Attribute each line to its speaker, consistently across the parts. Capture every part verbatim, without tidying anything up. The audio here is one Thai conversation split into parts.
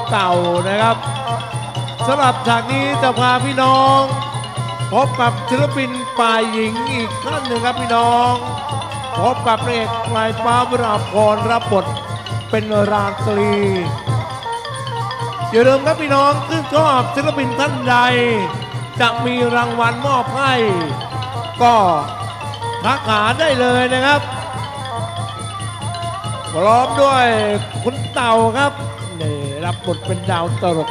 Speaker 1: เต่านะครับสำหรับฉากนี้จะพาพี่น้องพบกับศิลปินฝ่ายหญิงอีกท่านหนึ่งครับพี่น้องพบกับพระเอกปลายฟ้าวราพรรับบทเป็นราตรีอย่าลืมครับพี่น้องซึ่งชอบศิลปินท่านใดจะมีรางวัลมอบให้ก็ทักหาได้เลยนะครับพร้อมด้วยคุณเต่าครับนี่รับบทเป็นดาวตลก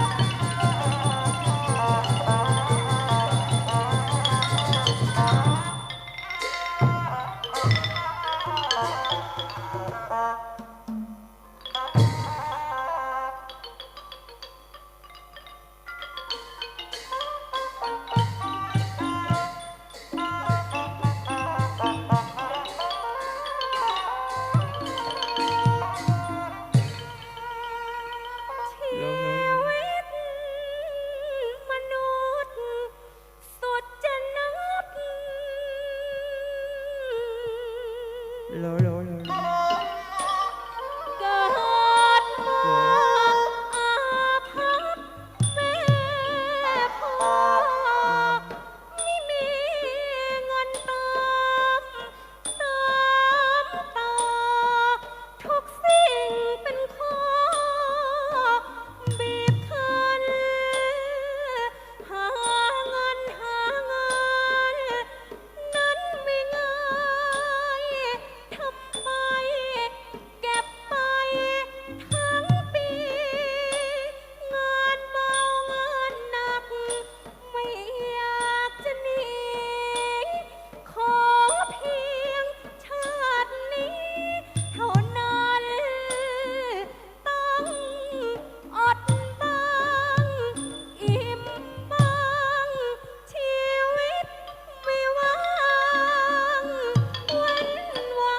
Speaker 2: โลโลโล
Speaker 3: เกิดมาอาภัพแม่พ่อไม่มีเงินตามตามต่อทุกสิ่งเป็นข้อบีบคั้นหาเงินหาเงินนั้นไม่ง่ายทำไปเก็บไปทั้งปีงานเบางานหนักไม่อยากจะหนีขอเพียงชาตินี้เท่านั้นต้องอดบ้างอิ่มบ้างชีวิตไม่ว่างวันวัน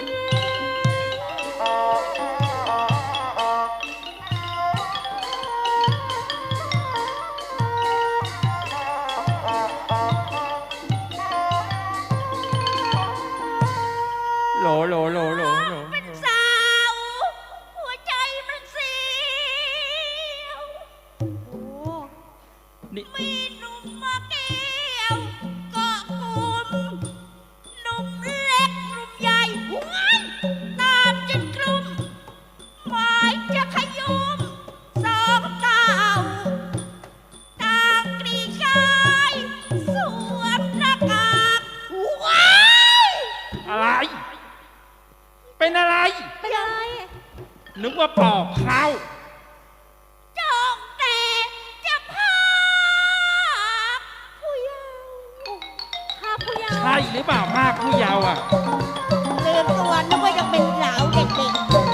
Speaker 2: โลโลโลโลโล
Speaker 3: เป็นสาวหัวใจมันเสียว
Speaker 2: นี่
Speaker 3: มีหนุ่มมาเกี่ยวเกาะกลุ่มหนุ่มเล็กหนุ่มใหญ่หวนตามจนกลุ่มหมายจะขยุมสองเก่าต่างกรีกายสวมหน้ากากว้าย
Speaker 2: อะไร เป็นอะไร
Speaker 3: เป็นอะไร
Speaker 2: นึกว่าปอกเข้า
Speaker 3: จองแต่จะพาผู้เยาว์พาผู้เยาว์
Speaker 2: ใช่หรือเปล่ามากผู้เยาว์อ่ะ
Speaker 3: ลืมตัวนึกว่ายังเป็นสาวเด็ก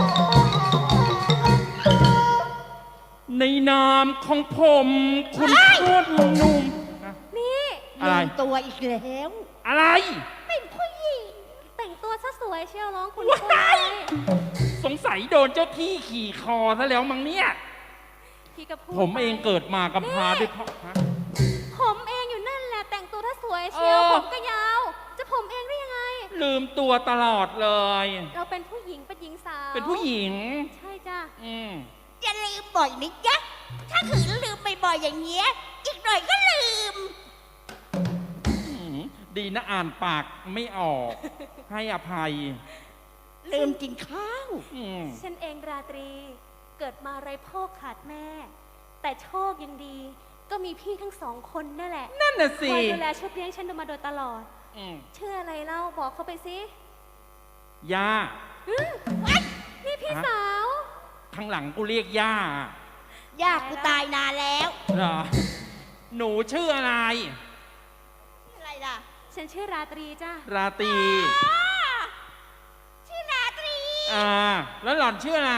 Speaker 2: ในนามของผมคุณพูดหนุ่มๆนะ
Speaker 3: ๆนี่
Speaker 2: อะไร
Speaker 3: ลืมตัวอีกแล้ว
Speaker 2: อะไร
Speaker 3: เป็นผู้หญิงแต่งตัวซะสวยเชียวร้องคุณ
Speaker 2: ว้าย สงสัยโดนเจ้าที่ขี่คอซะแล้วมั้งเนี่ย
Speaker 3: พี่ก็พูด
Speaker 2: ผมเอง
Speaker 3: ไป
Speaker 2: เกิดมากำพร้าด้วยพ่อฮะ
Speaker 3: ผมเองอยู่นั่นแหละแต่งตัวถ้าสวยเชียว
Speaker 2: เออ
Speaker 3: ผมก็ยาว จะผมเองได้ยังไง
Speaker 2: ลืมตัวตลอดเลย
Speaker 3: เราเป็นผู้หญิงเป็นหญิงสาว
Speaker 2: เป็นผู้หญิง
Speaker 3: ใช่จ้ะ
Speaker 2: อืม
Speaker 3: อย่าลืมบ่อยนะจ๊ะถ้าขืนลืมบ่อยๆอย่างเงี้ยอีกหน่อยก็ลืม
Speaker 2: อืมดีนะอ่านปากไม่ออก ให้อภัย
Speaker 3: ลืมกินข้าว
Speaker 2: อืม
Speaker 3: ฉันเองราตรีเกิดมาไร้พ่อขาดแม่ แต่โชคยังดี ก็มีพี่ทั้งสองคนนั่นแหละ
Speaker 2: นั่นน่ะ
Speaker 3: ค
Speaker 2: สิ
Speaker 3: อยดูแลชุบเลี้ยงฉันมาโดยตลอด
Speaker 2: อืม
Speaker 3: ชื่ออะไรเล่าบอกเขาไปสิ
Speaker 2: ย่า
Speaker 3: อื้อเอ้ยนี่พี่
Speaker 2: ฮะ
Speaker 3: สาว
Speaker 2: ข้างหลังกูเรียกย่า
Speaker 3: ย่ากูตายนานแล้ว
Speaker 2: เหรอ หนูชื่ออะไร
Speaker 3: อะไรล่ะ ฉันชื่อราตรีจ้า
Speaker 2: ราตรี
Speaker 3: ชื่อราตรี
Speaker 2: อ่า แล้วหล่อนชื่ออะไร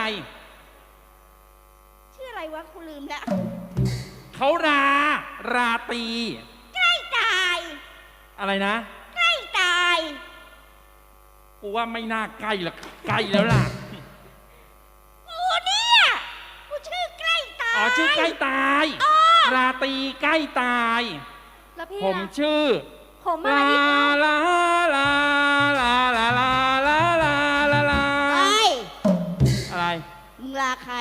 Speaker 3: ชื่ออะไรวะกูลืมแล้ว
Speaker 2: เขารา ราตรี
Speaker 3: ใกล้ตาย
Speaker 2: อะไรนะ
Speaker 3: ใกล้ตาย
Speaker 2: กูว่าไม่น่าใกล้หรอกใกล้แล้วล่ะ
Speaker 3: กูเนี่ยกูชื่อใกล้ตาย
Speaker 2: อ๋อ ชื่อใกล้ตาย ราตรีใกล้ตาย
Speaker 3: แล้วพี่
Speaker 2: ผม
Speaker 3: ล่ะ
Speaker 2: ชื่อ
Speaker 3: ผมอะไร
Speaker 2: ลา
Speaker 3: อีกเล่า
Speaker 2: ลาลาลาลาลาลาลาลาลา
Speaker 3: ไอ้
Speaker 2: อะไร
Speaker 3: มึงลาใคร
Speaker 2: ฉ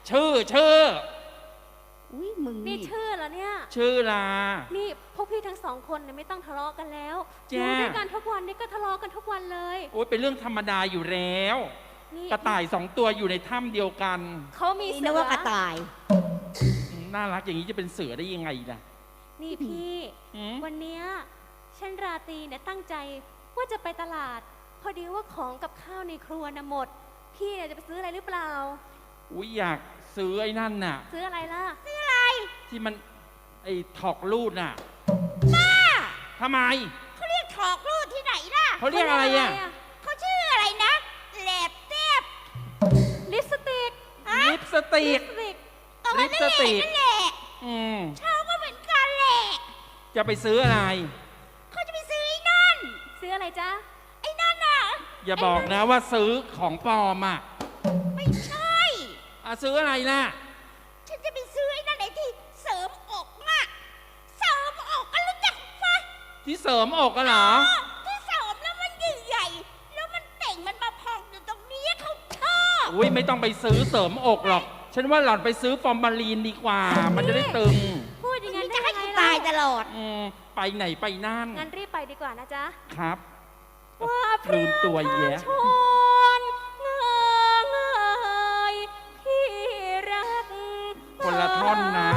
Speaker 2: ชื่อชื่อ
Speaker 4: อุ้ยมึง
Speaker 3: นี่
Speaker 4: นี่
Speaker 3: ชื่อเหรอเนี่ย
Speaker 2: ชื่อลา
Speaker 3: นี่พวกพี่ทั้งสองคนเนี่ยไม่ต้องทะเลาะกันแล้วอ
Speaker 2: จ้า
Speaker 3: ยู่ด้วยกันทุกวันนี่ก็ทะเลาะกันทุกวันเลย
Speaker 2: โอ้ยเป็นเรื่องธรรมดาอยู่แล้ว
Speaker 3: นี่
Speaker 2: กระต่ายสองตัวอยู่ในถ้ำเดียวกัน
Speaker 3: เขามี
Speaker 4: นี่
Speaker 3: เสื
Speaker 4: นึก
Speaker 3: อ
Speaker 4: ว่ากระต่าย
Speaker 2: อืมน่ารักอย่างนี้จะเป็นเสือได้ยังไงล่ะ
Speaker 3: นี่พี่
Speaker 2: อืม
Speaker 3: วันเนี้ยฉันราตรีเนี่ยตั้งใจว่าจะไปตลาด พอดีว่าของกับข้าวในครัวน่ะหมด พี่เนี่ยจะไปซื้ออะไรหรือเปล่า
Speaker 2: อุ้ยอยากซื้อไอ้นั่นน่ะ
Speaker 3: ซื้ออะไรล่ะ
Speaker 2: ที่มันไอ้ถอกลูดน่ะทำไม
Speaker 4: เขาเรียกถอกรูดที่ไหนล่ะ
Speaker 2: เขาเรียกอะไรอ่ะ
Speaker 4: เขาชื่ออะไรนะแหลบเต็บ
Speaker 3: ลิปสติก
Speaker 2: ลิปสติ
Speaker 3: ลิ
Speaker 2: ก
Speaker 3: ปสติก
Speaker 4: เอามา
Speaker 2: ลิปสติก
Speaker 4: นั่นแหละ
Speaker 2: อืม
Speaker 4: ชอบก็เหมือนกันแหละ
Speaker 2: จะไปซื้ออะไร
Speaker 4: เขาจะไปซื้อไอ้นั่น
Speaker 3: ซื้ออะไรจ๊ะ
Speaker 4: ไอ้นั่นน่ะ
Speaker 2: อย่าบอกนะว่าซื้อของปลอมอ่ะ
Speaker 4: ไม่ใช่
Speaker 2: อ่ะซื้ออะไรล่ะ
Speaker 4: ฉันจะไปซื้อไอ้นั่นไอ้ที่เสริมอกอะเสริมอกก็รู้จักปะ
Speaker 2: ที่เสริมอกกันเหรอ
Speaker 4: ที่เสริมแล้วมันใหญ่ๆแล้วมันเต่งมันมาพองอยู่ตรงนี้เขาชอบ
Speaker 2: อุ้ยไม่ต้องไปซื้อเสริมอกหรอก ฉันว่าหล่อนไปซื้อฟอร์มาลีนดีกว่า มันจะได้ตึง
Speaker 3: พูดอย่าง
Speaker 4: นี่
Speaker 3: นั้น
Speaker 4: จะ
Speaker 3: ได้
Speaker 4: ให้
Speaker 3: ยังไง
Speaker 4: กูตายต
Speaker 3: ล่ะ
Speaker 4: ลอด
Speaker 2: อืมไปไหนไปนั่น
Speaker 3: งั้นรีบไปดีกว่านะจ๊ะ
Speaker 2: ครับ
Speaker 3: ว่าพ
Speaker 2: ลืมตัวแยะ
Speaker 3: ชนเงยพี่รัก
Speaker 2: คนละท่อนนะ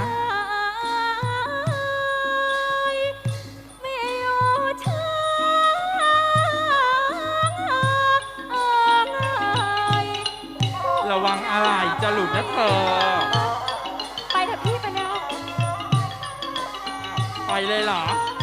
Speaker 3: ไม่อยู่ช้างเอ่ย
Speaker 2: ระวังอะไรจะหลุดนะเธอ
Speaker 3: ไปเถอะพี่ไปแล้ว
Speaker 2: ไปเลยเหรอ
Speaker 3: ไ